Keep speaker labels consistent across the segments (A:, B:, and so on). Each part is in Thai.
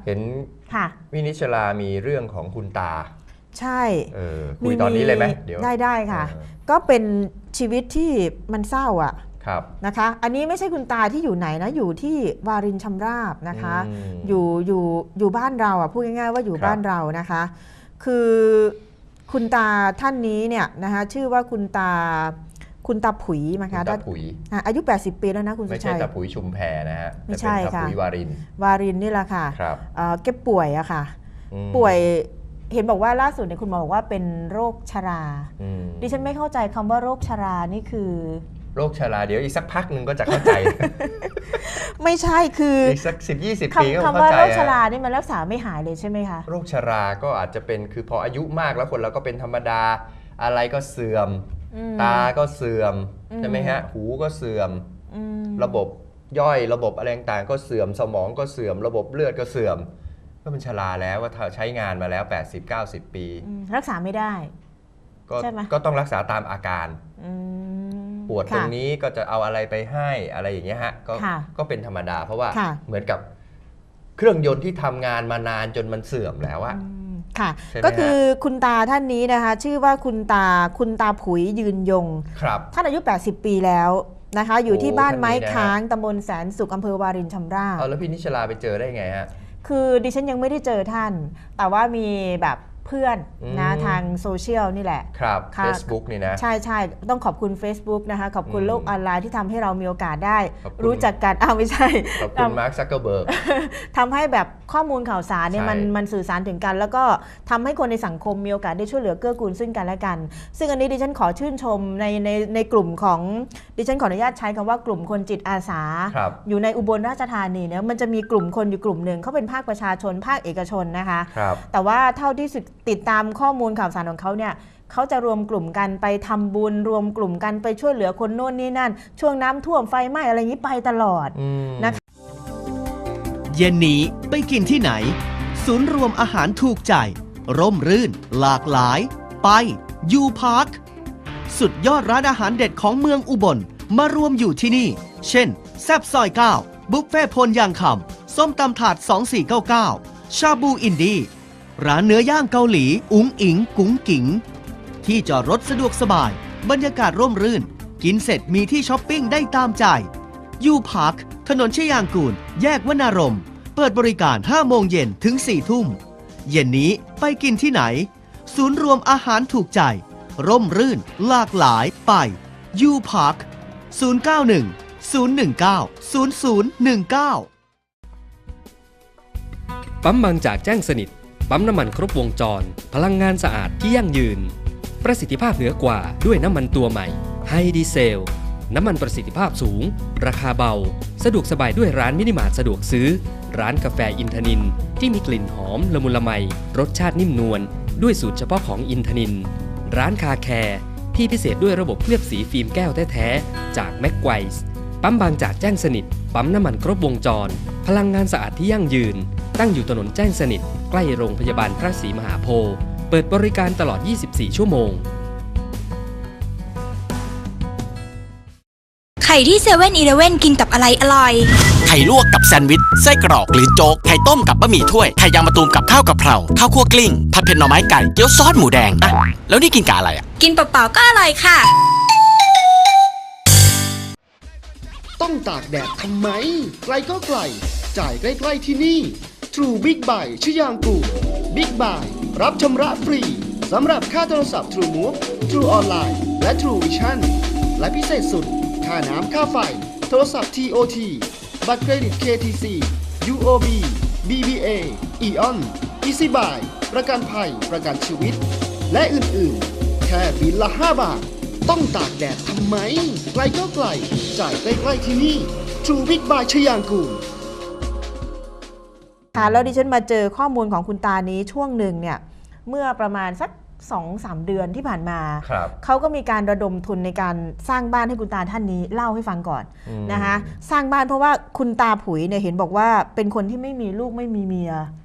A: เห็นวินิชลามีเรื่องของคุณตา
B: ใช่
A: คุยตอนนี้เลยไหมเดี๋ยว
B: ได้ค่ะก็เป็นชีวิตที่มันเศร้าอ่ะนะคะอันนี้ไม่ใช่คุณตาที่อยู่ไหนนะอยู่ที่วารินชำราบนะคะอยู่บ้านเราอ่ะพูดง่ายๆว่าอยู่บ้านเรานะคะคือคุณตาท่านนี้เนี่ยนะคะชื่อว่าคุณตาผุยนะคะอายุ80ปีแล้วนะคุณสุชัยไม่ใช่
A: ตาผุยชุมแพนะฮะ
B: ไม่ใช่ค่ะ
A: วา
B: รินนี่แหละค่ะแกป่วยอะค่ะป่วยเห็นบอกว่าล่าสุดเนี่ยคุณหมอบอกว่าเป็นโรคชราดิฉันไม่เข้าใจคำว่าโรคชรานี่คือ
A: โรคชราเดี๋ยวอีกสักพักหนึ่งก็จะเข้าใจ
B: ไม่ใช่คือ
A: อีกสัก10-20 ปีก็เข้าใจ
B: คำว่าโรคชรานี่มันรักษาไม่หายเลยใช่ไหมคะ
A: โรคชราก็อาจจะเป็นคือพออายุมากแล้วคนเราก็เป็นธรรมดาอะไรก็เสื่อมตาก็เสื่อมใช่ไหมฮะหูก็เสื่อมระบบย่อยระบบอะไรต่างก็เสื่อมสมองก็เสื่อมระบบเลือดก็เสื่อมก็เป็นชราแล้วว่าใช้งานมาแล้ว80-90 ปี
B: รักษาไม่ได้
A: ก็ต้องรักษาตามอาการปวดตรงนี้ก็จะเอาอะไรไปให้อะไรอย่างเงี้ยฮะก็เป็นธรรมดาเพราะว่าเหมือนกับเครื่องยนต์ที่ทำงานมานานจนมันเสื่อมแล้วอะ
B: ค่ะก็คือคุณตาท่านนี้นะคะชื่อว่าคุณตาผุยยืนยงท่านอายุ80 ปีแล้วนะคะอยู่ที่บ้านไม้ค้างตำบลแสนสุขอำเภอวารินชำราบ
A: แล้วพี่นิชลาไปเจอได้ไงฮะ
B: คือดิฉันยังไม่ได้เจอท่านแต่ว่ามีแบบเพื่อนนะทางโซเชียลนี่แหละ
A: ครับ Facebook นี่นะ
B: ใช่ต้องขอบคุณ Facebook นะคะขอบคุณโลกออนไลน์ที่ทำให้เรามีโอกาสได้รู้จักกันไม่ใช่
A: ขอบคุณมาร์ค ซักเกอร์เบิร์ก
B: ทำให้แบบข้อมูลข่าวสารเนี่ยมันสื่อสารถึงกันแล้วก็ทำให้คนในสังคมมีโอกาสได้ช่วยเหลือเกื้อกูลซึ่งกันและกันซึ่งอันนี้ดิฉันขอชื่นชมในกลุ่มของดิฉันขออนุญาตใช้คำว่ากลุ่มคนจิตอาสาอยู่ในอุบลราชธานีเนี่ยมันจะมีกลุ่มคนอยู่กลุ่มหนึ่งเขาเป็นภาคประชาชนภาคเอกชนนะคะแต่ว่าเท่าที่ติดตามข้อมูลข่าวสารของเขาเนี่ยเขาจะรวมกลุ่มกันไปทำบุญรวมกลุ่มกันไปช่วยเหลือคนโน่นนี่นั่นช่วงน้ำท่วมไฟไหม้อะไรอย่างนี้ไปตลอดนะคะ
C: เย็นนี้ไปกินที่ไหนศูนย์รวมอาหารถูกใจร่มรื่นหลากหลายไปยูพาร์คสุดยอดร้านอาหารเด็ดของเมืองอุบลมารวมอยู่ที่นี่เช่นแซ่บซอย9บุฟเฟ่พลยางคำส้มตำถาด2499ชาบูอินดี้ร้านเนื้อย่างเกาหลีอุ๋งอิงกุ๋งกิ๋งที่จอดรถสะดวกสบายบรรยากาศร่มรื่นกินเสร็จมีที่ช้อปปิ้งได้ตามใจยูพาร์คถนนชยางกูลแยกวนารมเปิดบริการ5 โมงเย็นถึง4 ทุ่มเย็นนี้ไปกินที่ไหนศูนย์รวมอาหารถูกใจร่มรื่นหลากหลายไปยูพาร์ค091-019-0019
D: ปั๊มบางจากแจ้งสนิทปั๊มน้ำมันครบวงจรพลังงานสะอาดที่ยั่งยืนประสิทธิภาพเหนือกว่าด้วยน้ำมันตัวใหม่ไฮดีเซลน้ำมันประสิทธิภาพสูงราคาเบาสะดวกสบายด้วยร้านมินิมาร์ทสะดวกซื้อร้านกาแฟอินทนินที่มีกลิ่นหอมละมุนละไมรสชาตินิ่มนวลด้วยสูตรเฉพาะของอินทนินร้านคาแคร์ที่พิเศษด้วยระบบเคลือบสีฟิล์มแก้วแท้ๆจากแม็กไกวส์ปั๊มบางจากแจ้งสนิทปั๊มน้ำมันครบวงจรพลังงานสะอาดที่ยั่งยืนตั้งอยู่ถนนแจ้งสนิทใกล้โรงพยาบาลพระศรีมหาโพธิ์เปิดบริการตลอด 24 ชั่วโมง
E: ไข่ที่7-Eleven กินกับอะไรอร่อย
F: ไข่ลวกกับแซนด์วิชไส้กรอกหรือโจ๊กไข่ต้มกับบะหมี่ถ้วยไข่ยางมะตูมกับข้าวกะเพราข้าวคั่วกลิ้งผัดเผ็ดหน่อไม้ไก่เกี๊ยวซอสหมูแดงอะแล้วนี่กินกับอะไรอะ
E: กินเปล่าๆก็อร่อยค่ะ
G: ต้องตากแดดทำไมไกลก็ไกลจ่ายใกล้ๆที่นี่ True Big Buy ชยางกูล Big Buy รับชำระฟรีสำหรับค่าโทรศัพท์ True Move True Online และ True Vision และพิเศษสุดค่าน้ำค่าไฟโทรศัพท์ TOT บัตรเครดิต KTC UOB BBA Eon Easy Buy ประกันภัยประกันชีวิตและอื่นๆแค่บิลละ5 บาทต้องตากแดดทำไมไกลก็ไกลจ่ายใกล้ๆที่นี่ True Big Buy ชยางกูล
B: ค่ะแล้วดิฉันมาเจอข้อมูลของคุณตานี้ช่วงหนึ่งเนี่ยเมื่อประมาณสัก 2-3 เดือนที่ผ่านมาเขาก็มีการระดมทุนในการสร้างบ้านให้คุณตาท่านนี้เล่าให้ฟังก่อนนะคะสร้างบ้านเพราะว่าคุณตาผุยเนี่ยเห็นบอกว่าเป็นคนที่ไม่มีลูกไม่มีเมีย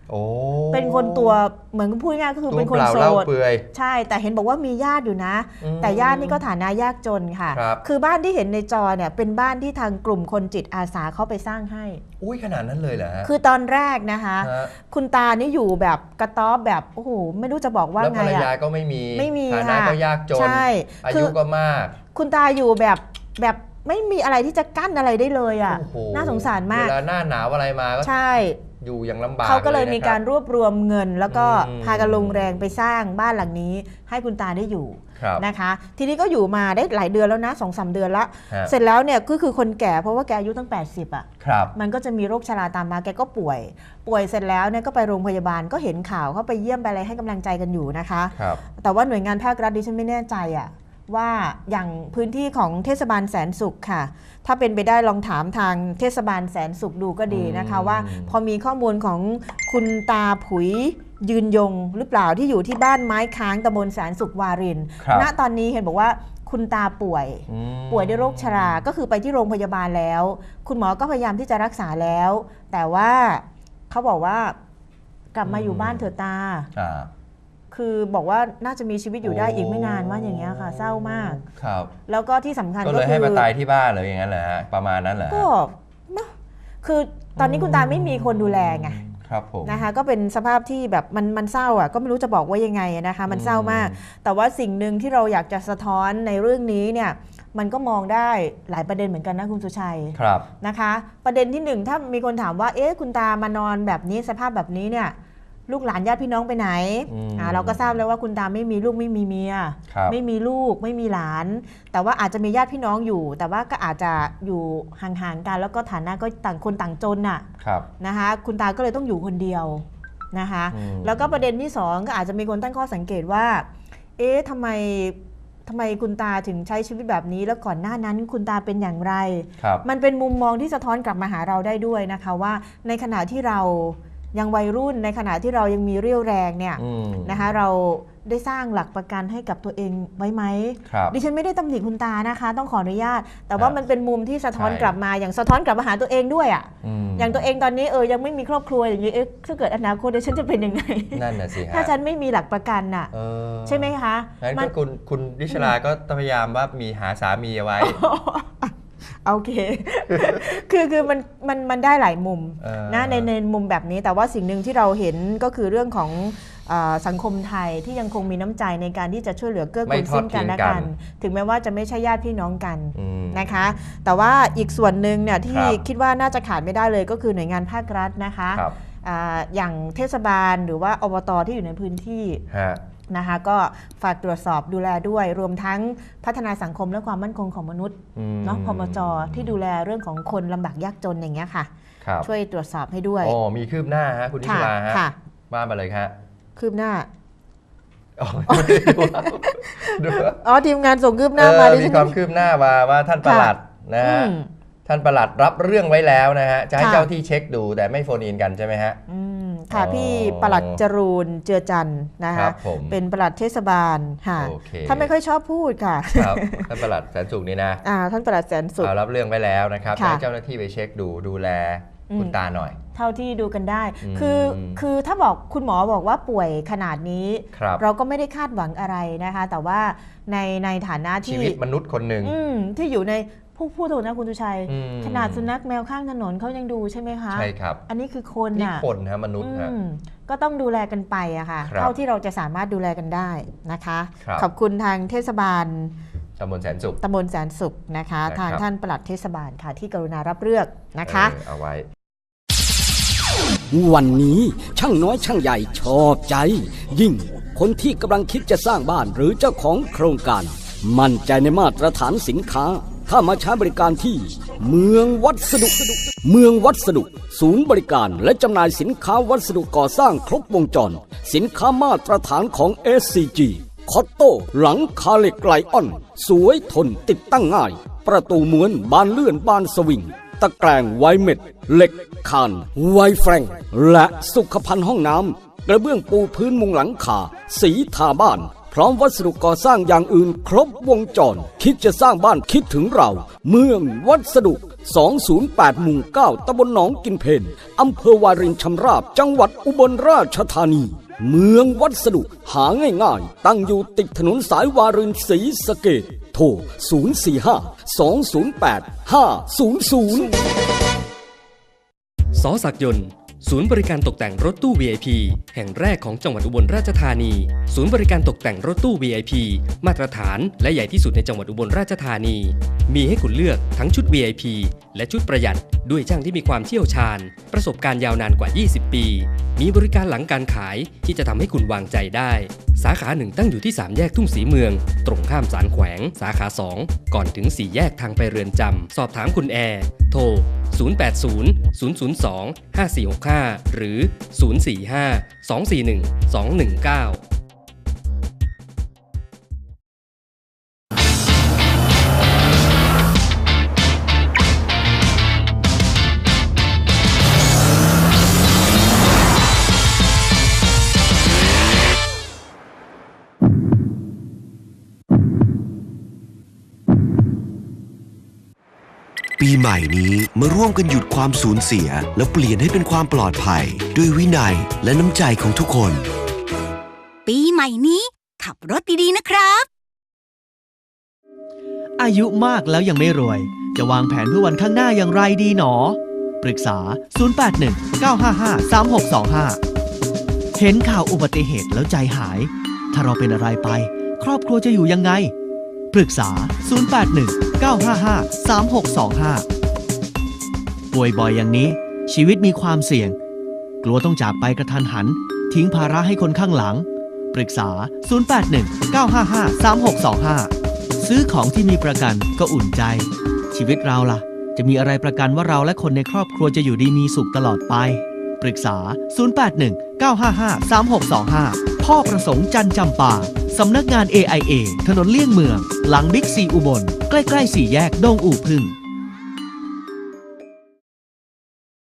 A: โอ้
B: เป็นคนตัวเหมือนพูดง่ายก็คือเป็นคนโส
A: เล่า
B: ด
A: เปลือย
B: ใช่แต่เห็นบอกว่ามีญาติอยู่นะ แต่ญาตินี่ก็ฐานะยากจนค่ะ
A: ครับ
B: คือบ้านที่เห็นในจอเนี่ยเป็นบ้านที่ทางกลุ่มคนจิตอาสาเขาไปสร้างให้
A: อุ้ยขนาดนั้นเลยเหรอฮะ
B: คือตอนแรกนะคะ
A: ฮะ
B: คุณตานี่อยู่แบบกระต๊อบแบบโอ้โหไม่รู้จะบอกว่า
A: แล้ว
B: ไง
A: ภรรยา
B: อะ
A: ก็ไม่มี
B: ไม่มี
A: ฐานะ
B: ค่ะ
A: ก็ยากจน
B: ใช่
A: อา
B: คื
A: ยุ
B: อ
A: ก็มาก
B: คุณตาอยู่แบบไม่มีอะไรที่จะกั้นอะไรได้เลยอ่ะ
A: โอ้โห
B: น่าสงสารมาก
A: เวลาหน้าหนาวอะไรมาก็
B: ใช่
A: อยู่อย่างลำบาก
B: เขาก็เลยมี
A: นะคบ
B: การรวบรวมเงิน แล้วก็
A: อืม
B: พากันลงแรงไปสร้างบ้านหลังนี้ ให้คุณตาได้อยู่
A: ครับ
B: นะคะ ทีนี้ก็อยู่มาได้หลายเดือนแล้วนะ 2-3 เดือนละ
A: ฮะ
B: เสร็จแล้วเนี่ยก็คือคนแก่เพราะว่าแกอายุตั้ง80อ่ะ
A: ครับ
B: มันก็จะมีโรคชราตามมาแกก็ป่วยเสร็จแล้วเนี่ยก็ไปโรงพยาบาลก็เห็นข่าวเขาไปเยี่ยมไปอะไรให้กำลังใจกันอยู่นะคะ
A: ครับ
B: แต่ว่าหน่วยงานภาครัฐดิฉันไม่แน่ใจอะว่าอย่างพื้นที่ของเทศบาลแสนสุขค่ะ ถ้าเป็นไปได้ลองถามทางเทศบาลแสนสุขดูก็ดีนะคะ ว่าพอมีข้อมูลของคุณตาผุยยืนยงหรือเปล่าที่อยู่ที่บ้านไม้ค้างตำบลแสนสุขวาริน
A: ครับ
B: ณตอนนี้เห็นบอกว่าคุณตาป่วย
A: อืม
B: ป่วยด้วยโรคชรา ก็คือไปที่โรงพยาบาลแล้ว คุณหมอก็พยายามที่จะรักษาแล้ว แต่ว่าเขาบอกว่ากลับมาอยู่บ้านเถอะตา
A: อ่า
B: คือบอกว่าน่าจะมีชีวิตอยู่ได้อีกไม่นานว่าอย่างเงี้ยค่ะ เศร้ามาก
A: ครับ
B: แล้วก็ที่สำคัญ
A: ก็
B: ก็
A: เลย
B: คื
A: ให้
B: อ
A: มาตายที่บ้านเลยอย่างนั้นเหรอฮะประมาณนั้นเหรอฮะ
B: ก็นะคือตอนนี้คุณตาไม่มีคนดูแลไง
A: ครับผม
B: นะคะ ก็เป็นสภาพที่แบบมันเศร้าอ่ะก็ไม่รู้จะบอกว่ายังไงนะคะ มันเศร้ามาก แต่ว่าสิ่งหนึ่งที่เราอยากจะสะท้อนในเรื่องนี้เนี่ยมันก็มองได้หลายประเด็นเหมือนกันนะคุณสุชัย
A: ครับ
B: นะคะ ประเด็นที่หนึ่งถ้ามีคนถามว่าเอ๊ะคุณตามานอนแบบนี้สภาพแบบนี้เนี่ยลูกหลานญาติพี่น้องไปไหน เราก็ทราบแล้วว่าคุณตาไม่มีลูกไม่มีเมีย
A: ครับ
B: ไม่มีลูกไม่มีหลาน แต่ว่าอาจจะมีญาติพี่น้องอยู่ แต่ว่าก็อาจจะอยู่ห่างๆกันแล้วก็ฐานะก็ต่างคนต่างจนน่ะ
A: ครับ
B: นะคะคุณตาก็เลยต้องอยู่คนเดียวนะคะ แล้วก็ประเด็นที่สองก็อาจจะมีคนตั้งข้อสังเกตว่าเอ๊ะทำไมคุณตาถึงใช้ชีวิตแบบนี้แล้วก่อนหน้านั้นคุณตาเป็นอย่างไร
A: ครับ
B: มันเป็นมุมมองที่สะท้อนกลับมาหาเราได้ด้วยนะคะว่าในขณะที่เรายังวัยรุ่นในขณะที่เรายังมีเรี่ยวแรงเนี่ย นะคะเราได้สร้างหลักประกันให้กับตัวเองไว้ไหม
A: ครับ
B: ดิฉันไม่ได้ตำหนิคุณตานะคะ ต้องขออนุญาต แต่ว่า
A: ครับ
B: มันเป็นมุมที่สะท้อน
A: ใช่
B: กลับมาอย่างสะท้อนกลับมาหาตัวเองด้วยอ่ะ
A: ม
B: อย่างตัวเองตอนนี้ยังไม่มีครอบครัวอย่างนี้ถ้าเกิดอนาคตฉันจะเป็นยังไง
A: นั่นน่ะสิฮะ
B: ถ้าฉันไม่มีหลักประกันน่ะ
A: เออ
B: ใช่ไหมคะ
A: งั้น
B: มั
A: ก็คุณดิชลาก็พยายามว่ามีหาสามีเอาไว้
B: โอเค คือมันได้หลายมุม
A: เออ
B: นะในมุมแบบนี้แต่ว่าสิ่งหนึ่งที่เราเห็นก็คือเรื่องของสังคมไทยที่ยังคงมีน้ำใจในการที่จะช่วยเหลือเกื้อ
A: ไม่
B: กูล
A: ทอด
B: ซึ่งกันและ
A: ทิ้งกั
B: กัน น ถึงแม้ว่าจะไม่ใช่ญาติพี่น้องกัน
A: อืม
B: นะคะ แต่ว่าอีกส่วนหนึ่งเนี่ยที่
A: ครับ
B: คิดว่าน่าจะขาดไม่ได้เลยก็คือหน่วยงานภาครัฐนะคะ
A: ครับ
B: อย่างเทศบาลหรือว่าอบตที่อยู่ในพื้นที่
A: ฮะ
B: นะคะก็ฝากตรวจสอบดูแลด้วยรวมทั้งพัฒนาสังคมและความมั่นคงของมนุษย์เนาะพมจที่ดูแลเรื่องของคนลำบากยากจนอย่างเงี้ยค่ะ
A: ครับ
B: ช่วยตรวจสอบให้ด้วย
A: อ๋อมีคืบหน้าฮะคุณดิชลาฮะ
B: ค่ะ
A: ว่ามาเลยฮะ
B: คืบหน้า
A: อ๋อดูว่า
B: อ๋อทีมงานส่งคืบหน้ามาดิ
A: มี
B: ฉัน
A: ความคืบหน้าว่าท่านปลัดนะฮะ
B: อืม
A: ท่านปลัดรับเรื่องไว้แล้วนะฮะจะให้
B: ค่ะ
A: เจ้าที่เช็คดูแต่ไม่โฟนอินกันใช่ไหมฮะ
B: ค่ะ
A: อ๋อ
B: พี่ปลัดจรูนเจือจันทร์นะ
A: ครั
B: คะ
A: บผม
B: เป็นปลัดเทศบาลค่ะ
A: โอเค
B: ท่านไม่ค่อยชอบพูดค่ะ
A: ครับท่านปลัดแสนสุขนี่นะ
B: ท่านปลัดแสนสุข
A: เอารับเรื่องไว้แล้วนะครับ
B: ค่ะ
A: ให้เจ้าหน้าที่ไปเช็คดูแลคุณตาหน่อย
B: เท่าที่ดูกันได้
A: อืม
B: คือถ้าบอกคุณหมอบอกว่าป่วยขนาดนี้
A: ครับ
B: เราก็ไม่ได้คาดหวังอะไรนะคะ แต่ว่าในฐานะ
A: ชี
B: ที่
A: วิตมนุษย์คนหนึ่ง
B: ที่อยู่ในพูดถูกนะคุณตุชัย
A: อืม
B: ขนาดสุนัขแมวข้างถนนเขายังดูใช่ไหมคะ
A: ใช่ครับ
B: อันนี้คือคน
A: นี่
B: น่ะ
A: คนฮะมนุษย์ฮะ
B: ก็ต้องดูแลกันไปอะค่ะ
A: ครับ
B: เท่าที่เราจะสามารถดูแลกันได้นะคะ
A: ครับ
B: ขอบคุณทางเทศบาล
A: ตำบลแสนสุข
B: ตำบลแสนสุขนะคะ
A: นะครับ
B: ทางท่านปลัดเทศบาลค่ะที่กรุณารับเรื่องนะคะ
A: เอาไว้
H: วันนี้ช่างน้อยช่างใหญ่ชอบใจ ยิ่งคนที่กำลังคิดจะสร้างบ้านหรือเจ้าของโครงการ มั่นใจในมาตรฐานสินค้า ถ้ามาใช้บริการที่เมืองวัสดุ เมืองวัสดุ ศูนย์บริการและจำหน่ายสินค้าวัสดุก่อสร้างครบวงจร สินค้ามาตรฐานของ SCG คอตโต้หลังคาเหล็กไลออน สวยทนติดตั้งง่าย ประตูม้วนบานเลื่อนบานสวิง ตะแกรงไวเม็ดเหล็กคานไวแฟรงและสุขภัณฑ์ห้องน้ำกระเบื้องปูพื้นมุงหลังคาสีทาบ้าน พร้อมวัสดุก่อสร้างอย่างอื่นครบวงจร คิดจะสร้างบ้านคิดถึงเรา เมืองวัสดุ 208 หมู่ 9 ตำบลหนองกินเพนอำเภอวารินชำราบ จังหวัดอุบลราชธานี เมืองวัสดุหาง่ายๆ ตั้งอยู่ติดถนนสายวารินศรีสะเกษโทร 045-208-500
D: สอศักดิ์ยนต์ศูนย์บริการตกแต่งรถตู้ VIP แห่งแรกของจังหวัดอุบลราชธานีศูนย์บริการตกแต่งรถตู้ VIP มาตรฐานและใหญ่ที่สุดในจังหวัดอุบลราชธานีมีให้คุณเลือกทั้งชุด VIP และชุดประหยัดด้วยช่างที่มีความเชี่ยวชาญประสบการณ์ยาวนานกว่า 20 ปีมีบริการหลังการขายที่จะทำให้คุณวางใจได้สาขาหนึ่งตั้งอยู่ที่3แยกทุ่งศรีเมืองตรงข้ามศาลแขวงสาขา2ก่อนถึง4แยกทางไปเรือนจำสอบถามคุณแอร์โทร080-002-5465 หรือ 045-241-219
I: ปีใหม่นี้มาร่วมกันหยุดความสูญเสียแล้วเปลี่ยนให้เป็นความปลอดภัยด้วยวินัยและน้ำใจของทุกคน
J: ปีใหม่นี้ขับรถดีๆนะครับ
C: อายุมากแล้วยังไม่รวย จะวางแผนเพื่อวันข้างหน้าอย่างไรดีหนอ ปรึกษา 081-955-3625 เห็นข่าวอุบัติเหตุแล้วใจหาย ถ้าเราเป็นอะไรไป ครอบครัวจะอยู่ยังไง ปรึกษา 081-955-3625 ป่วยบ่อยอย่างนี้ ชีวิตมีความเสี่ยง กลัวต้องจากไปกระทันหัน ทิ้งภาระให้คนข้างหลัง ปรึกษา 081-955-3625 ซื้อของที่มีประกันก็อุ่นใจ ชีวิตเราล่ะ จะมีอะไรประกันว่าเราและคนในครอบครัวจะอยู่ดีมีสุขตลอดไป ปรึกษา 081-955-3625 พ่อประสงค์จันจำปาสำนักงาน AIA ถนนเลี่ยงเมือง หลังบิ๊กซีอุบล ใกล้ๆ4แยกดงอู่พึ่ง